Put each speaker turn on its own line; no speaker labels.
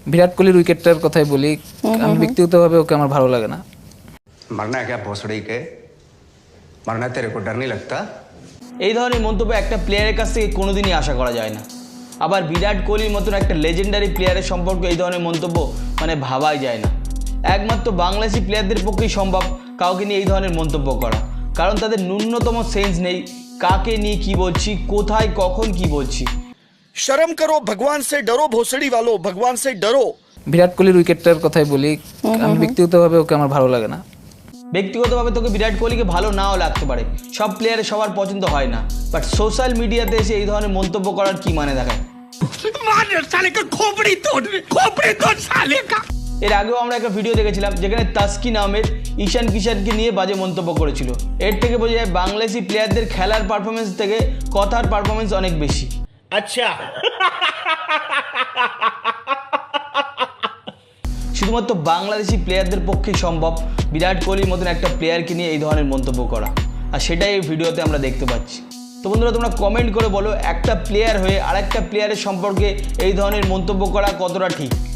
বিরাট কোহলির উইকেটটার কথাই বলি, আমি ব্যক্তিগতভাবে ওকে আমার ভালো লাগে না।
मरना है क्या भोसड़ी के? मरना तेरे को डर नहीं लगता?
এই ধরনের মন্তব্য একটা প্লেয়ারের কাছ থেকে কোনোদিনই আশা করা যায় না। আবার বিরাট কোহলির মতন একটা লেজেন্ডারি প্লেয়ারের সম্পর্কে এই ধরনের মন্তব্য মানে ভাবাই যায় না। একমাত্র বাংলাদেশি প্লেয়ারদের পক্ষেই সম্ভব কাউকে নিয়ে এই ধরনের মন্তব্য করা, কারণ তাদের ন্যূনতম সেন্স নেই কাকে নিয়ে কী বলছি, কোথায় কখন কি বলছি।
शर्म करो, भगवान से डरो, भोसड़ी वालों, भगवान से डरो।
বিরাট কোহলির উইকেটটার কথাই বলি, আমি ব্যক্তিগতভাবে ওকে আমার ভালো লাগে না।
ব্যক্তিগতভাবে তোকে বিরাট কোহলিকে ভালো নাও লাগতে পারে, সব প্লেয়ারের সবার পছন্দ হয় না, বাট সোশ্যাল মিডিয়াতে এসে এই ধরনের মন্তব্য করার কি মানে দেখায়। এর আগেও আমরা একটা ভিডিও দেখেছিলাম যেখানে তাস্কি নামের ঈশান কিষানকে নিয়ে বাজে মন্তব্য করেছিল। এর থেকে বোঝা যায় বাংলাদেশি প্লেয়ারদের খেলার পারফরমেন্স থেকে কথার পারফরমেন্স অনেক বেশি।
अच्छा
শুধুমাত্র বাংলাদেশি প্লেয়ারদের পক্ষেই সম্ভব বিরাট কোহলির মতন একটা প্লেয়ারকে নিয়ে এই ধরনের মন্তব্য করা, আর সেটাই এই ভিডিওতে আমরা দেখতে পাচ্ছি। তো বন্ধুরা, তোমরা কমেন্ট করে বলো একটা প্লেয়ার হয়ে আরেকটা প্লেয়ারের সম্পর্কে এই ধরনের মন্তব্য করা কতটা ঠিক।